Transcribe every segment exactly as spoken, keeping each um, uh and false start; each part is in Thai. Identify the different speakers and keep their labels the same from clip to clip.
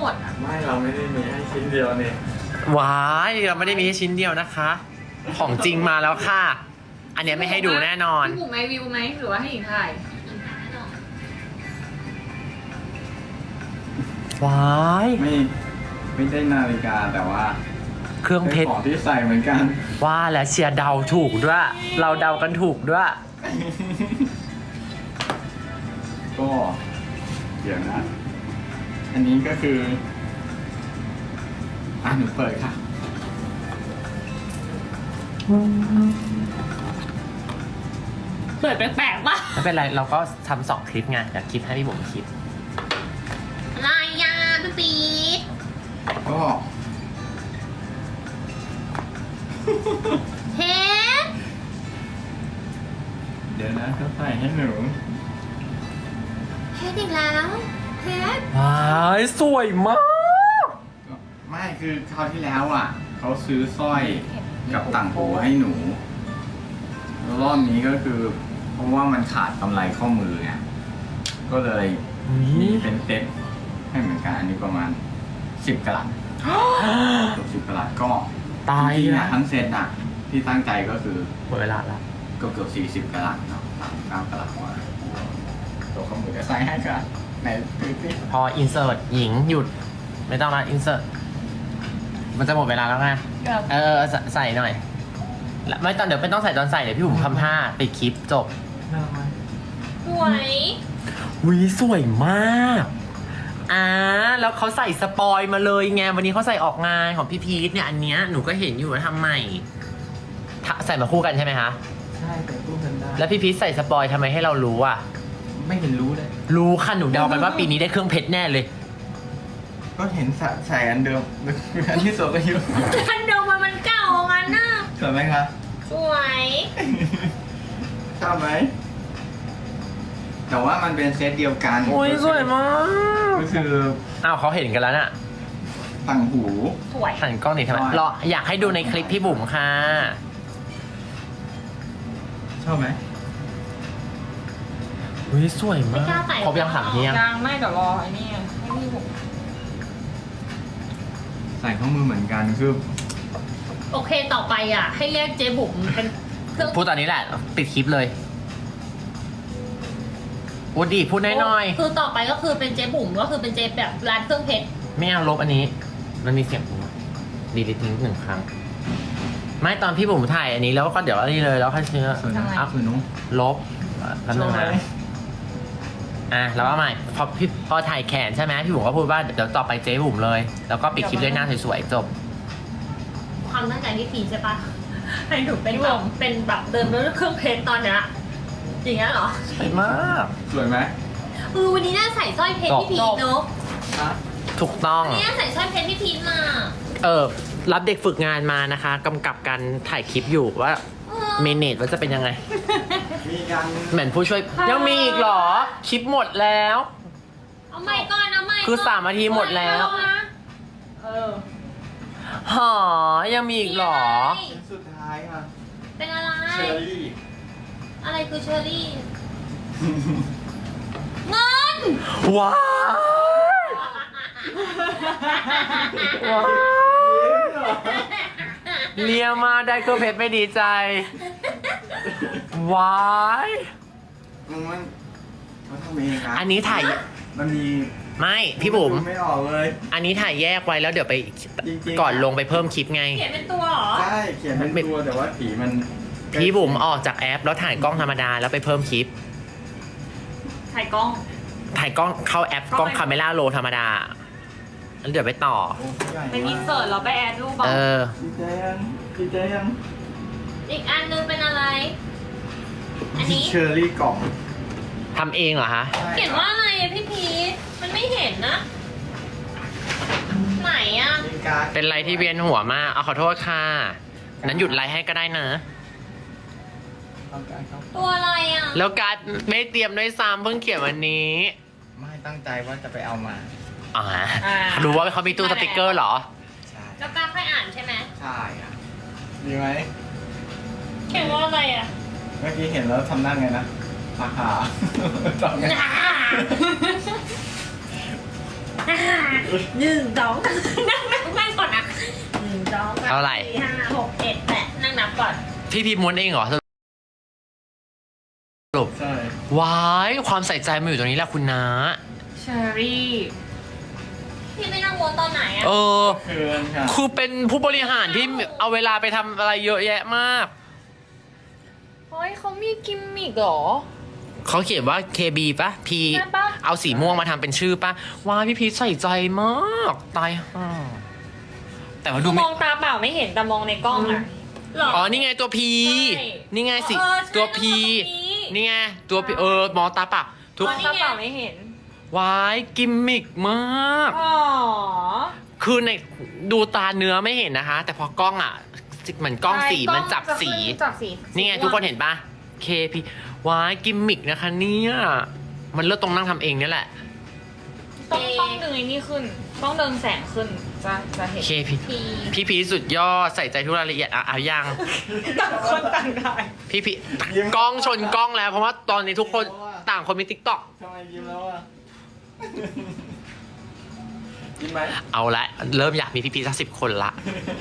Speaker 1: หมดอ่ะ
Speaker 2: ไม่เราไม่ได้มีให้ชิ้นเดียวเนี่ย
Speaker 3: ว้ายเราไม่ได้มีแค่ชิ้นเดียวนะคะ ของจริงมาแล้วค่ะ อันเนี้ยไม่ให้ดูแน่นอน
Speaker 1: พี่บุ๋มไหมวิวไหมหรือว่าให้หญิงถ่าย
Speaker 3: ว้าย
Speaker 2: ไม่ไม่ได้นาฬิกาแต่ว่า
Speaker 3: เครื่องเพชร
Speaker 2: ของที่ใส่เหมือนกัน
Speaker 3: ว่าแล้วเชียร์เดาถูกด้วย เราเดากันถูกด้วย
Speaker 2: ก็เดี๋ยวนะ อันนี้ก็คืออ่ะหนูเปิดค่ะ
Speaker 1: เปิดแปลกๆป่ะ
Speaker 3: ไม่เป็นไรเราก็ทำสองคลิปไงเดี๋ยวคลิปให้พี่บุ๋มคิด
Speaker 1: ลายยาพี่ปี๊ด
Speaker 2: ก็
Speaker 1: เฮ้
Speaker 2: เดี๋ยวนะเขาใส่ให้หนู
Speaker 1: เฮ้อีกแล้วเฮ้
Speaker 3: ว้ายสวยมาก
Speaker 2: ไม่คือคราวที่แล้วอ่ะเขาซื้อสร้อยกับต่างหูให้หนูแล้วรอบนี้ก็คือ เพราะว่ามันขาดกำไรข้อมือไงก็เลยมีเป็นเซ็ตให้เหมือนกันอันนี้ประมาณสิบกะลัดเกือบสิบกะลัดก็
Speaker 3: ตาย
Speaker 2: จริงๆ
Speaker 3: แล้
Speaker 2: อ่ะ
Speaker 3: ว
Speaker 2: ทั้งเซตอ่ะที่ตั้งใจก็คือ
Speaker 3: หมดเวลาแล้ว
Speaker 2: ก็เกือบสี่สิบกะลัดเนาะสามเก้ากะลัดกว่าตัวข้อมือจะใส่ให้กันไหนดูสิ
Speaker 3: พออินเสิร์ตหญิงหยุด ไม่ต้องละอินเสิร์ตมันจะหมดเวลาแล้วไงเออใส่ใส่หน่อยแล้วไม่ตอนเดี๋ยวไม่ต้องใส่ตอนใส่เดี๋ยวพี่บุ๋มทำท่าปิดคลิปจบ
Speaker 2: น่ารักไหม
Speaker 1: สวย
Speaker 3: วิสวยมากอ่าแล้วเขาใส่สปอยมาเลยไงวันนี้เขาใส่ออกงานของพี่พีทเนี่ยอันเนี้ยหนูก็เห็นอยู่ว่าทำใหม่ทะใส่มาคู่กันใช่ไหมคะ
Speaker 2: ใช่แต่ตู้กันได้
Speaker 3: แล้วพี่พีทใส่สปอยทำไมให้เรารู้อ่ะ
Speaker 2: ไม่เห็นรู้เลย
Speaker 3: รู้ค่ะหนูเดากันว่าปีนี้ได้เครื่องเพชรแน่เลย
Speaker 2: ก็เห็นใส่ใส่อันเดิมอันที่สวยก็อยู่
Speaker 1: คันเดิมมันมันเก่างั้นน่ะ
Speaker 2: สวยไหมคะ
Speaker 1: สวย
Speaker 2: ชอบไหมแต่ว่ามันเป็นเซตเดียวกัน
Speaker 3: โอ้ยสวยมาก
Speaker 2: ก็คือ
Speaker 3: อ้าวเขาเห็นกันแล้วน่ะ
Speaker 2: ต่างหู
Speaker 1: สวย
Speaker 3: หันกล้องหนีทำไม
Speaker 2: ใช่
Speaker 3: รออยากให้ดูในคลิปพี่บุ๋มค่ะ
Speaker 2: ชอบไหม
Speaker 3: อุ้ยสวยมา
Speaker 1: ไม่
Speaker 3: ก
Speaker 1: กล้าใส่
Speaker 3: ครบยังถามพี่ยัง
Speaker 1: ยังไม่เดี๋ยวรอไอ้นี่ให้พี่บุ๋ม
Speaker 2: ใส่ข้อมือเหมือนกันคือ
Speaker 1: โอเคต่อไปอ่ะ ให้เรียกเจ๊บุ๋มเป็นเครื่อง
Speaker 3: พูดตอนนี้แหละปิดคลิปเลยพูดดิพูดน้อย
Speaker 1: คือต่อไปก็คือเป็นเจ๊บุ๋มก็คือเป็นเจ๊แบบร้านเครื่องเพชร
Speaker 3: ๆไม่เอาลบอันนี้ มันมีเสียงดีลิททิ้งหนึ่งครั้ง ไม่ตอนพี่บุ๋มถ่ายอันนี้แล้วก็เดี๋ยวอันนี้เลยแล้วค่อยเชื้อ
Speaker 2: สวยนะ
Speaker 3: อัพ
Speaker 2: คือนุ้ง
Speaker 3: ลบแป๊บนึงนะอ่ะแล้วว่าใหม่พอพี่พอถ่ายแขนใช่ไหมพี่บุ๋มก็พูดว่าเดี๋ยวต่อไปเจ๊บุ๋มเลย แล้วก็ปิดคลิปด้วยหน้าสวยๆจบ
Speaker 1: ความตั้งใจที่พีใช่ปะให้หนูเป็นแบบเป็นแบบเดินด้วยเครื่องเพชรตอนเนี้ยอย่างเงี้ยเหรอ
Speaker 3: สวยมาก
Speaker 2: สวยไหม
Speaker 1: เออวันนี้น่าใส่สร้อยเพชรพี่พีชเนอะ
Speaker 2: อ่ะ
Speaker 3: ถูกต้อง
Speaker 1: วันนี้น่าใส่สร้อยเพชรพี่พีชมา
Speaker 3: เออรับเด็กฝึกงานมานะคะกำกับการถ่ายคลิปอยู่ว่า
Speaker 1: เออ
Speaker 3: เมเนจว่าจะเป็นยังไง
Speaker 2: มีกัน
Speaker 3: เหมือนผู้ช่วยยังมีอีกเหรอ คลิปหมดแล้ว
Speaker 1: เอาใหม่ก่อนเอาใหม่ก่น
Speaker 3: คือสามนาทีหมดแล้ว
Speaker 1: เออ
Speaker 3: หอยังมีอีกเหรอ
Speaker 2: สุดท้ายค่ะ
Speaker 1: เป็นอะไร
Speaker 2: เชอรี่
Speaker 1: อะไรคือเชอรี่ เงิน
Speaker 3: ว้าวว้าวเลียมาได้เครื่องเพชรไม่ดีใจ ว้าย
Speaker 2: มันมันทำเองนะ
Speaker 3: อันนี้ถ่าย
Speaker 2: มันมี
Speaker 3: ไม่พี่บุ๋ม
Speaker 2: ไม่ออกเลย
Speaker 3: อันนี้ถ่ายแยกไว้แล้วเดี๋ยวไป
Speaker 2: จริงๆ
Speaker 3: ก่อนลงไปเพิ่มคลิปไง
Speaker 1: เขียนเป็นตัวเหรอ
Speaker 2: ใช่เขียนเป็นตัวแต่ว่าสีมัน
Speaker 3: พี่บุ๋มออกจากแอปแล้วถ่ายกล้องธรรมดาแล้วไปเพิ่มคลิป
Speaker 1: ถ่ายกล้อง
Speaker 3: ถ่ายกล้องเข้าแอปกล้องคาเมล่าโรธรรมดาแล้วเดี๋ยวไปต่อ
Speaker 2: โอ้ใหญ่
Speaker 1: เป็นอินเสิร์ตเราไปแอดรูป
Speaker 3: เอ
Speaker 1: เอา
Speaker 3: อ
Speaker 2: ดีใจยังดีใจยัง
Speaker 1: อีกอันนึงเป็นอะไร อันนี้
Speaker 2: เชอร์รี่กล่อง
Speaker 3: ทำเองเหรอคะ
Speaker 1: เขียนว่าอะไรอะพี่พีชมันไม่เห็นนะ ไหนอะ
Speaker 2: มีการ์ด
Speaker 3: เป็นไรที่เวียนหัวมาก เอาขอโทษค่ะ นั้นหยุดไลฟ์ให้ก็ได้นะ
Speaker 2: เอาการ์ดครับ
Speaker 1: ตัวอะไรอะ
Speaker 3: แล้วการดไม่เตรียมด้วยซ้ำเพิ่งเขียนวันนี้
Speaker 2: ไม่ตั้งใจว่าจะไปเอามา
Speaker 3: อ่ารู้ว่าเขามีตู้สติกเกอร์เหรอ
Speaker 2: ใช่
Speaker 1: แล้วการค่อยอ่านใช่ไหม
Speaker 2: ใช่อ่ะดีไหม
Speaker 1: เขียนว่าอะไรอะ
Speaker 2: เมื่อกี้เห็นแล้วทำหน้าไงนะราคาตอบไง
Speaker 1: อ่าหนึ่งสองนั่งนับนั่งก่อนนะหนึ่งสองสาม
Speaker 3: เท่าไหร่
Speaker 1: สี่ห้าหกเจ็ดแปดนั่งนับก่อน
Speaker 3: พี่พีม้วนเองเหรอสรุป
Speaker 2: ใช่
Speaker 3: ว้ายความใส่ใจมาอยู่ตรงนี้แหละคุณน้า
Speaker 1: เชอรี่พี่ไม่นั่งวนตอนไหนอะ
Speaker 3: เออ
Speaker 2: เคืนค่ะ
Speaker 3: คือเป็นผู้บริหารที่เอาเวลาไปทำอะไรเยอะแยะมาก
Speaker 1: เฮ้ยเขามีกิมมิกเหรอ
Speaker 3: เขาเขียนว่า เค บี ปะ P
Speaker 1: ใช่ปะ
Speaker 3: เอาสีม่วงมาทำเป็นชื่อปะว้ายพี่พีชใส่ใจมาก ตายห่าแต่ว่าดู
Speaker 4: ม
Speaker 3: ไม่
Speaker 4: องตาเปล่าไม่เห็นแต่มองในกล้องอะ
Speaker 1: หรอ
Speaker 3: อ๋อ นี่ไงตัว P
Speaker 4: ใช่
Speaker 3: นี่ไงสิ
Speaker 1: เออใช่
Speaker 3: ตัว P
Speaker 1: แล้วก็ P
Speaker 3: นี่ไง ตัว P เออ มองตาปะทุก
Speaker 4: มองตาเปล่าไม่เห็น
Speaker 3: ว้ายกิมมิกมาก
Speaker 4: อ๋อ
Speaker 3: คือในดูตาเนื้อไม่เห็นนะคะ แต่พอกล้องอ่ะเหมือนกล้องสีมันจับสี
Speaker 4: จับสี
Speaker 3: นี่ไงทุกคนเห็นปะ เค พี ว้ายกิมมิกนะคะเนี่ยมันเลือกตรงนั่งทำเองเนี่ยแหละ
Speaker 4: ต้องต้องดึงไอ้นี่ขึ้น ต้องดึงแสงขึ้น จะจะเห็น
Speaker 3: เค พี
Speaker 1: พี
Speaker 3: พี่พีชสุดยอดใส่ใจทุกรายละเอียดอ่ะเอายัง
Speaker 4: ต่างคนต่างได้
Speaker 3: พี่พีกล้องชนกล้องแล้วเพราะว่าตอนนี้ทุกคนต่างคนมีติ๊กต็อก
Speaker 2: ทำไมยิ้มแล้วอ่ะ ยิ้มไหม
Speaker 3: เอาละเริ่มอยากมีพี่พีชสักสิบคนละ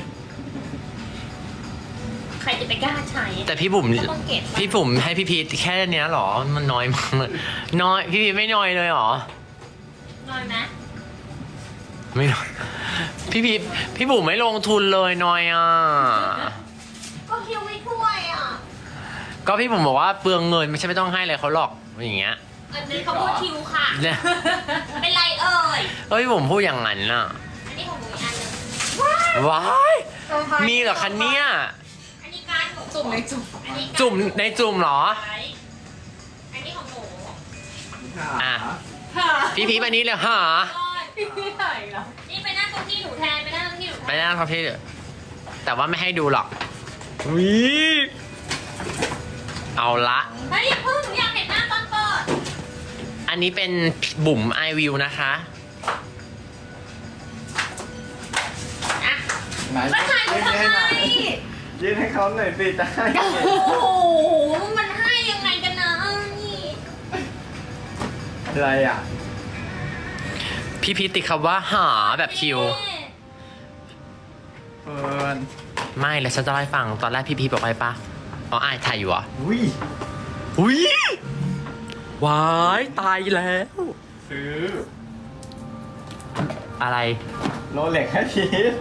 Speaker 1: ใครจะไปกล้าใช้
Speaker 3: แต่พี่บุ๋ม
Speaker 1: ก็ต้องเก็บ
Speaker 3: พี่บุ๋มให้พี่พีชแค่เนี้ยเหรอมันน้อยมากเลยน้อยพี่พีชไม่น้อยเลยเหรอ
Speaker 1: น้อยไหม
Speaker 3: ไม่น้อยพี่พีชพี่บุ๋มไม่ลงทุนเลยน้อยอ่ะ
Speaker 1: ก็คิวไม่ถ้วยอ่ะ
Speaker 3: ก็พี่บุ๋มบอกว่าเปลืองเงินไม่ใช่ไม่ต้องให้เลยเขาหรอกอย่างเงี้ย
Speaker 1: อันนี้เขาพูดคิวค่ะ
Speaker 3: เนี่ย
Speaker 1: เป็นไรเอ่ย
Speaker 3: เอ้ยพี่บุ๋มพูดอย่างนั้นน่ะ
Speaker 1: อันนี้ของหนูอีกอันหนึง
Speaker 3: ว้ายมีเหรอคะเนี่ย
Speaker 1: อันนี้การหนู
Speaker 4: จุ่มในจุ่ม
Speaker 1: อันนี้การ
Speaker 3: จุ่มในจุ่มเหรอ
Speaker 1: อันนี้ของหนู
Speaker 3: อ่ะ พี่พีชมานี้เลยหา
Speaker 4: พี่ไหนเหรอ
Speaker 1: นี่ไปนั่งตรงที่หนูแทนไปนั่งตรงที่หนูแท
Speaker 3: ไม่
Speaker 1: น
Speaker 3: ได้ครับพี่แต่ว่าไม่ให้ดูหรอกวิเอาละ
Speaker 1: เฮ้ยอย่าเพิ่งหนูอยากเห็นหน้าตอนเปิด
Speaker 3: อันนี้เป็นบุ๋มไอวิวนะคะ
Speaker 1: อ่ะ
Speaker 2: ไหน
Speaker 1: มาถ่ายหนู
Speaker 2: ยื่น
Speaker 1: ทำ
Speaker 2: ให้
Speaker 1: ไม
Speaker 2: หน่อยยื่นให้เขาหน่อยสิจะให้
Speaker 1: โอ้โหมันให้ยังไงกันนะนี่
Speaker 2: อะไรอ่ะ
Speaker 3: พี่พีชติดคำว่าหาแบบคิว
Speaker 2: เฟิร์น
Speaker 3: ไม่แล้วฉันจะเล่าให้ฟังตอนแรกพี่พีชบอกไปปะอ๋ออายถ่ายอยู่เหรอ่ะ
Speaker 2: อุ้ย
Speaker 3: อุ้ย วายตายแล้ว
Speaker 2: ซื้อ
Speaker 3: อะไร
Speaker 2: โรเล็กให้พีท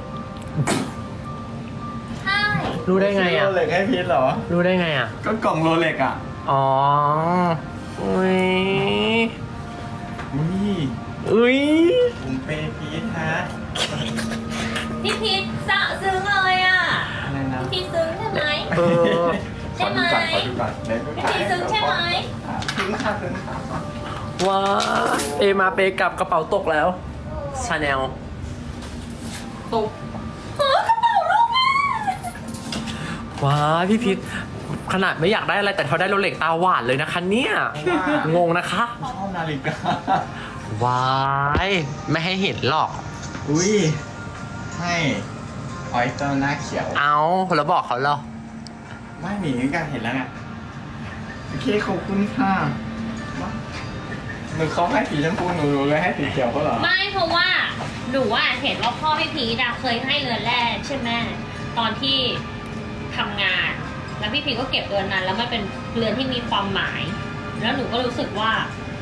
Speaker 1: ใช่
Speaker 3: รู้ได้ไงอ่ะ
Speaker 2: โรเล็กให้พีทเหรอ
Speaker 3: รู้ได้ไงอ่ะ
Speaker 2: ก็กล่องโรเล็กอ่ะ
Speaker 3: อ๋อ อุ้ย
Speaker 2: อุ้ย
Speaker 3: อุ้ย
Speaker 2: ผมเปย์พีทฮะ
Speaker 1: พี่พีทสะซึ้งเลยอ่ะ
Speaker 2: อะไรนะ
Speaker 1: พี่พีทซึ้งใช่ไหม
Speaker 3: เออ
Speaker 2: ขอดูก่อนขอดูก่อนเดี๋ยวดู
Speaker 1: พี่พีทซึ้งใช่ไหม
Speaker 2: อ่ะซึ้งค่ะซึ้งค่ะ
Speaker 3: ว้าเอมาเปกลับกระเป๋าตกแล้วชาแนล
Speaker 4: ตุ๊บ
Speaker 1: เออกระเป๋าลูกแม่
Speaker 3: ว้าพี่พีทขนาดไม่อยากได้อะไรแต่เขาได้โรเล็กตาหวานเลยนะคะเนี่ย งงนะคะ
Speaker 2: ชอบนาฬิกา
Speaker 3: ว้ายไม่ให้เห็นหรอก
Speaker 2: อุ้ย ให้ออยสเตอร์หน้าเขียว
Speaker 3: เอาแล้วบอกเขาเหรอ
Speaker 2: ไม่หนีกันเห็นแล้วไงโอเคขอบคุณค่ะมาหนูเขาให้สีชมพูหนูเลยให้สีเขียวเขาเหรอ
Speaker 1: ไม่เพราะว่าหนูว่าเห็นว่าพ่อพี่พีทอะเคยให้เรือนแรกใช่ไหมตอนที่ทำงาน แล้วพี่พีทก็เก็บเรือนนั้น แล้วมันเป็นเรือนที่มีความหมาย แล้วหนูก็รู้สึกว่า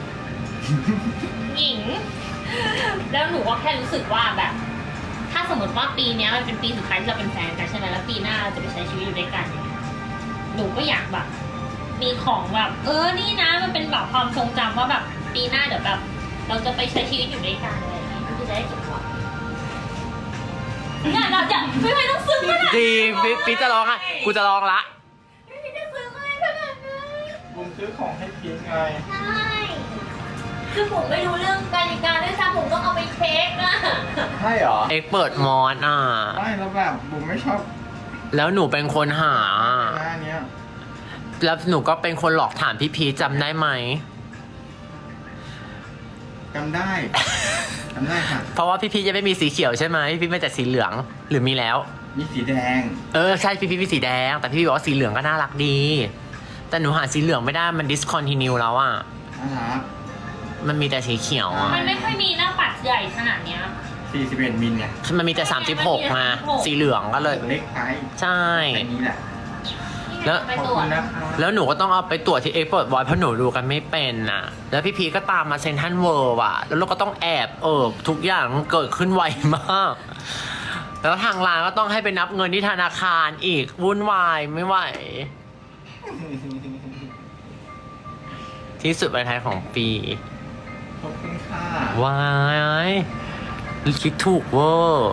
Speaker 1: หญิง แล้วหนูก็แค่รู้สึกว่าแบบ ถ้าสมมติว่าปีเนี้ยมันเป็นปีสุดท้ายที่เราเป็นแฟนกันใช่ไหมแล้วปีหน้าเราจะไปใช้ชีวิตอยู่ด้วยกันอย่างเงี้ยหนูก็อยากแบบ มีของแบบ เออนี่นะมันเป็นแบบความทรงจำว่าแบบปีหน้าเดี๋ยวแบบ เราจะไปใช้ชีวิตอยู่ด้วยกันอะไรอย่างเงี้ยพี่จะได้เก็บไว้เนี่ยเราจะไม่ไม่ต้องซึ้งขนาดนั้น
Speaker 3: จริงพี่พีทจะร้องอ่ะกูจะร้องละ
Speaker 1: ไม่ได้ซึ้งอะไรขนาดนั้น
Speaker 2: บุมซื้อของให้พีทไง
Speaker 1: ใช่คือผมไม่รู้เรื่องการจัดการด้วยซ้ำผมต้องเอาไปเช็คอะ
Speaker 2: ใช่เหรอ
Speaker 3: เอ็กเปิดมอนอ่ะ
Speaker 2: ไม่แล้วแบบบุมไม่ชอบ
Speaker 3: แล้วหนูเป็นคนหา
Speaker 2: หน้าเนี้ย
Speaker 3: แล้วหนูก็เป็นคนหลอกถามพี่พีชจำได้ไหม
Speaker 2: จำได้จำได้ค่ะ
Speaker 3: เพราะว่าพี่พีชยังไม่มีสีเขียวใช่ไหมพี่พีชมีแต่สีเหลืองหรือมีแล้ว
Speaker 2: มีสีแดง
Speaker 3: เออใช่พี่พีชมีสีแดง แต่พี่พีชบอกว่าสีเหลืองก็น่ารักดี แต่หนูหาสีเหลืองไม่ได้มัน discontinue แล้วอ่ะ
Speaker 2: น่ารัก
Speaker 3: อมันมีแต่สีเขียวอ่ะ
Speaker 1: มันไม่ค่อยมีหน้าปัดใหญ่ขนาดเนี้ย
Speaker 2: สี่สิบเอ็ดมิลเนี่ย
Speaker 3: มันมีแต่สามสิบหกมา สีเหลืองก็เลย
Speaker 2: เล็กไป
Speaker 3: ใช่
Speaker 2: อันนี้แหละ
Speaker 3: แล้ว
Speaker 1: ไป
Speaker 2: ขอบ
Speaker 1: ตรว
Speaker 2: คุ
Speaker 1: จ
Speaker 2: ณนะคะ
Speaker 3: แล้วหนูก็ต้องเอาไปตรวจที่เอ็กซ์พอร์ตบอยเพราะหนูดูกันไม่เป็นน่ะ แล้วพี่พีก็ตามมาเซ็นทรัลเวิร์ว่ะ แล้วเราก็ต้องแอบเออทุกอย่างเกิดขึ้นไวมาก แล้วทางร้านก็ต้องให้ไปนับเงินที่ธนาคารอีกวุ่นวายไม่ไหว ที่สุดในไทยของปี
Speaker 2: ขอบคุณค่ะ
Speaker 3: วายคิดถูกเวอร์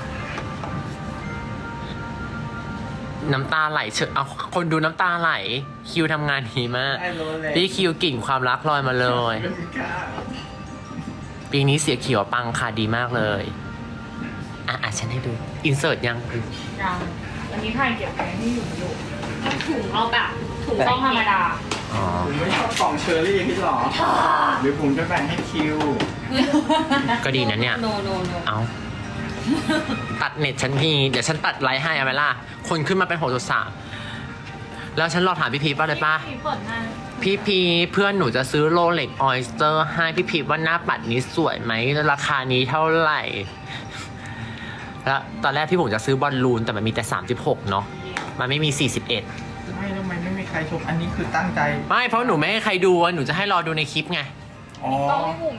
Speaker 3: น้ำตาไหลเฉยเอาคนดูน้ำตาไหล คิวทำงานดีมาก
Speaker 2: ได้รู้เลย
Speaker 3: พี่คิวกลิ่นความรักลอยมาเลย
Speaker 2: ขอบคุณค่ะ
Speaker 3: ปีนี้เสียเขียวปังค่ะดีมากเลย อ่ะอ่ะฉันให้ดู อินเสิร์ตยัง
Speaker 4: ยังอันนี้ถ่ายเก็บไว้ที่อยู่อยู่
Speaker 1: ถุงเอาแบบถุง
Speaker 4: ต้องธรรมดา
Speaker 3: อ๋อ
Speaker 2: ผมไม่ชอบกล่องเชอร์รี่พี่หรอ หรือผมจะแบ่งให้คิว
Speaker 3: ก็ดีนะเนี่ย
Speaker 1: โนโนโน
Speaker 3: เอาตัดเน็ตฉันทีเดี๋ยวฉันตัดไลฟ์ให้เอาไหมล่ะ คนขึ้นมาเป็นหกจุดสามแล้วฉันรอถามพี่พีป่ะเลยป่ะ
Speaker 1: เปิดหน้า
Speaker 3: พี่พีเพื่อนหนูจะซื้อโรเล็กออยสเตอร์ให้พี่พีว่าหน้าปัดนี้สวยไหมราคานี้เท่าไหร่ แล้วตอนแรกพี่ผมจะซื้อบอลลูนแต่มันมีแต่สามสิบหกเนาะมันไม่มีสี่สิบเอ็ด
Speaker 2: ไม่ทำไมไม่มีใครชม อันนี้คือตั้งใจ
Speaker 3: ไม่เพราะหนูไม่ให้ใครดูอะหนูจะให้รอดูในคลิปไง
Speaker 2: อ๋อ
Speaker 4: ต้องให้บุ๋ม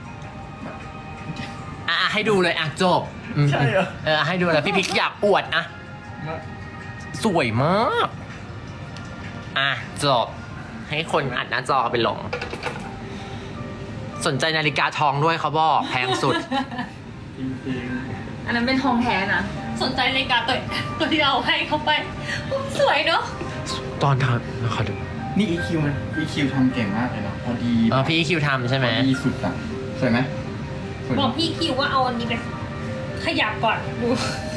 Speaker 3: อ่ะอ่ะให้ดูเลยอ่ะจบอืม
Speaker 2: ใช่เหรอ
Speaker 3: เออให้ดูแล้วพี่พีอยากอวดอะสวยมากอ่ะจบให้คนอัดหน้าจอไปลง สนใจนาฬิกาทองด้วยเขาบอกแพงสุด
Speaker 2: จริง
Speaker 4: อันนั้นเป็นทองแท้นะ
Speaker 1: สนใจนาฬิกาตัวตัวที่เอาให้เขาไปอุ๊ยสวยเนาะ
Speaker 3: ตอนทำขอดู
Speaker 2: ๆ นี่ อี คิว มัน อี คิว ทำเก่งมากเลยเนาะพอดี
Speaker 3: เออพี่คิวทำใช่ไหม
Speaker 2: พอดีสุดอะสวยไหมสวย
Speaker 1: บอกพี่คิวว่าเอาอันนี้ไปขยับก่อนดู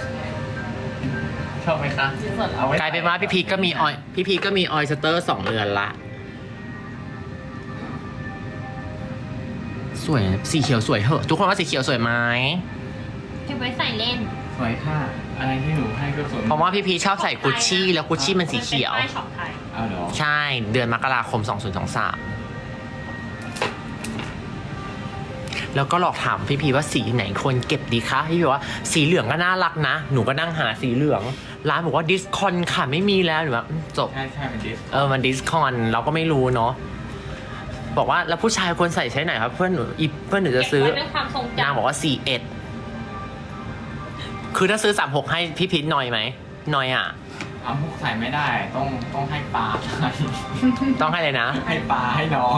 Speaker 2: ชอบไหมคะ
Speaker 1: ชิ้นส่วน
Speaker 2: เอาไว้
Speaker 3: กลายเป็นว่าพี่พีก็มีออยพี่พีก็มีออยสเตอร์สองเรือนละ สวยสีเขียวสวยเหอะทุกคนว่าสีเขียวสวยไหม
Speaker 1: เก็บไว้ใส่เล่น
Speaker 2: สวยค่ะ อะไรที่หนูให้ก็สวย
Speaker 3: เพราะว่าพี่พีชอบใส่กุชชี่แล้วกุชชี่มันสีเขียว
Speaker 1: ป็นป้ายช็อปไทย
Speaker 2: เอาเหรอ
Speaker 3: ใช่เดือนมกราคมสองพันยี่สิบสาม แล้วก็หลอกถามพี่พีว่าสีไหนควรเก็บดีคะพี่พีว่าสีเหลืองก็น่ารักนะ หนูก็นั่งหาสีเหลือง ร้านบอกว่าดิสคอนค่ะไม่มีแล้วหนูแบบอืมจบ
Speaker 2: ใช่ใช่เป็นดิส
Speaker 3: เออมันดิสคอนเราก็ไม่รู้เนาะบอกว่าแล้วผู้ชายควรใส่ใช้ไหนครับ เพื่อนหนูอีเพื่อนหนูจะซื้อ
Speaker 1: เก็บไว้ด้วยความทรง
Speaker 3: นาง
Speaker 1: จำ
Speaker 3: บอกว่าสี่เอ็ดคือถ้าซื้อสามหกให้พี่พีทหน่อยไหมหน่อยอ่ะ
Speaker 2: เอาพวกใส่ไม่ได้ ต้องต้องให้ปลาให้
Speaker 3: ต้องให้เลยนะ
Speaker 2: ให้ปลาให้น้อง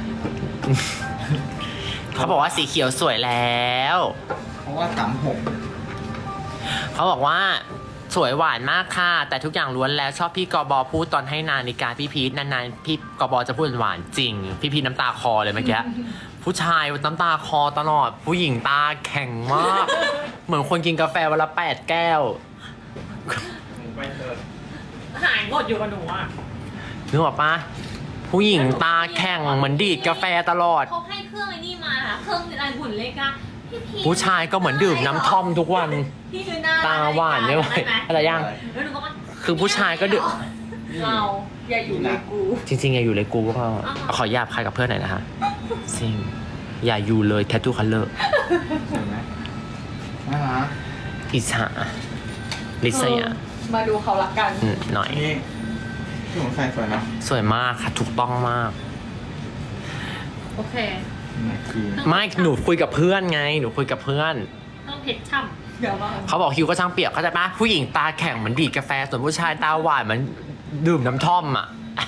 Speaker 3: เขาบอกว่าสีเขียวสวยแล้ว
Speaker 2: เพราะว่าสามหก
Speaker 3: เขาบอกว่าสวยหวานมากค่ะ แต่ทุกอย่างล้วนแล้วชอบพี่กบพูดตอนให้นาฬิกาพี่พีทนานๆพี่กบจะพูดหวานจริง พี่พีทน้ำตาคอเลยเมื่อกี้ ผู้ชายน้ำตาคอตลอด ผู้หญิงตาแข็งมาก เหมือนคนกินกาแฟวันละแปดแก้ว
Speaker 2: หนูไปเถอะ
Speaker 1: หายหมดอยู่กับหนูอ่ะ
Speaker 3: นึกออกปะผู้หญิงตาแข็งเหมือนดีดกาแฟตลอด
Speaker 1: เขาให้เครื่องไอ้นี่มาค่ะเครื่องอะไรหุ่นเล็กอะพี่พี
Speaker 3: ผู้ชายก็เหมือนดื่มน้ำท่อมทุกวัน
Speaker 1: พี่คือหน้า
Speaker 3: ตาหวานไม่ไหวอะไรยัง
Speaker 1: แล้วหนูก็ว่า
Speaker 3: คือผู้ชายก็ดื่ม
Speaker 1: เราอย่าอยู่ในกู
Speaker 3: จริงๆ อย่าอยู่เลยกูก็พอ
Speaker 1: อ่า
Speaker 3: ขอหยาบใครกับเพื่อนหน่อยนะคะจริงอย่าอยู่เลยแท t ทูคัลเลอร์
Speaker 2: สวยไหมน่ารัก
Speaker 3: อิสาลิซยา
Speaker 4: มาดูเขารักกัน
Speaker 3: อืมหน่อย
Speaker 2: นี่ที่ผมใส่สวยเนาะ
Speaker 3: สวยมากค่ะ ถูกต้องมาก
Speaker 1: โอเค
Speaker 2: นี่คือ
Speaker 3: ไม่หนูคุยกับเพื่อนไง หนูคุยกับเพื่อน
Speaker 1: ต้องเพชรช่ำเดี๋ยวว่า
Speaker 3: เขาบอกฮิวก็ช่างเปรียบเข้าใจปะผู้หญิงตาแข็งเหมือนดีดกาแฟ ส่วนผู้ชายตาหวานเหมือนดื่มน้ำท่อมอ่ะ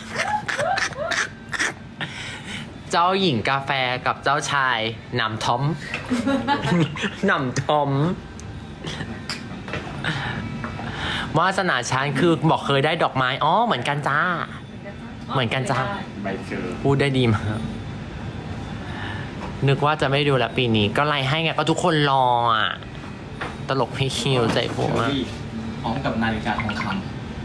Speaker 3: เจ้าหญิงกาแฟกับเจ้าชายหนำท่อม หนำท่อม วาสนาฉันคือบอกเคยได้ดอกไม้ อ๋อ เหมือนกันจ้า เหมือนกันจ้า
Speaker 2: ใบเจอ
Speaker 3: พูดได้ดีมาก นึกว่าจะไม่ดูแลวปีนี้ ก็ไล่ให้ไงก็ทุกคนรออ่ะ ตลกพี่คิวใจผมอ่ะ
Speaker 2: พร้อมกับนาฬิกาทองคำ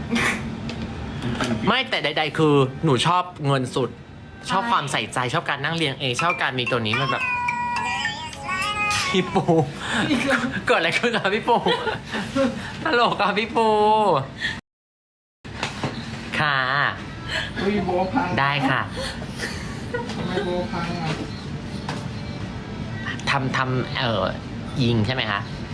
Speaker 3: ไม่แต่ใดๆคือหนูชอบเงินสุด ชอบความใส่ใจชอบการนั่งเรียงเอง ชอบการมีตัวนี้มันแบบ พี่ปู เกิดอะไรขึ้นครับพี่ปูตลกครับพี่ปู ค่ะ
Speaker 2: อุ้ยโบพัง
Speaker 3: ได้ค่ะ
Speaker 2: ทำไมโบพังอ่ะ
Speaker 3: ทำทำเอ่อยิงใช่ไหมคะ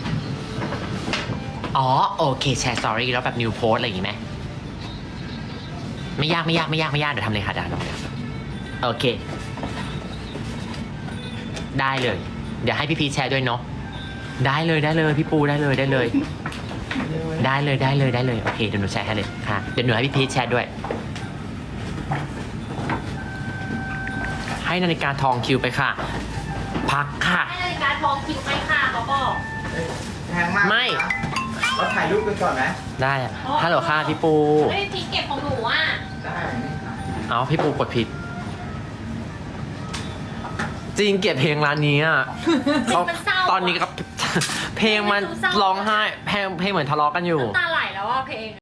Speaker 3: อ๋อ โอเค แชร์สตอรี่แล้วแบบนิวโพสอะไรอย่างงี้ไหม ไม่ยากไม่ยากไม่ยากไม่ยากเดี๋ยวทำเลยค่ะดานโอเค ได้เลย เดี๋ยวให้พี่พีชแชร์ด้วยเนาะได้เลยได้เลยพี่ปูได้เลยได้เลย ได้เลยได้เลยได้เลยโอเคเดี๋ยวหนูแชร์ให้เลยค่ะเดี๋ยวหนูให้พี่พีชแชร์ด้วย ให้นาฬิกาทองคิวไปค่ะ พักค่ะ
Speaker 1: ให้นาฬิกาทองคิวไปค่ะเขาบอก
Speaker 2: แพงมาก
Speaker 3: ไม่
Speaker 2: เราถ่ายรูปกันก่อนไหม
Speaker 3: ได้อะฮัลโหลค่ะพี่ปู
Speaker 1: ไม่ได้พีเก็บของหนูอ่ะ
Speaker 2: ได้นี่ค่ะ
Speaker 3: เอาพี่ปูกดผิด จริงเกลียดเพลงร้านนี้อ่ะเขา
Speaker 1: มันเศร้าอะ
Speaker 3: ตอนนี้กับ เพลงมันร้องไห้เพลงเพลงเหมือนทะเลาะกันอยู่
Speaker 1: น้ำตาไหลแล้วอ่ะเพลง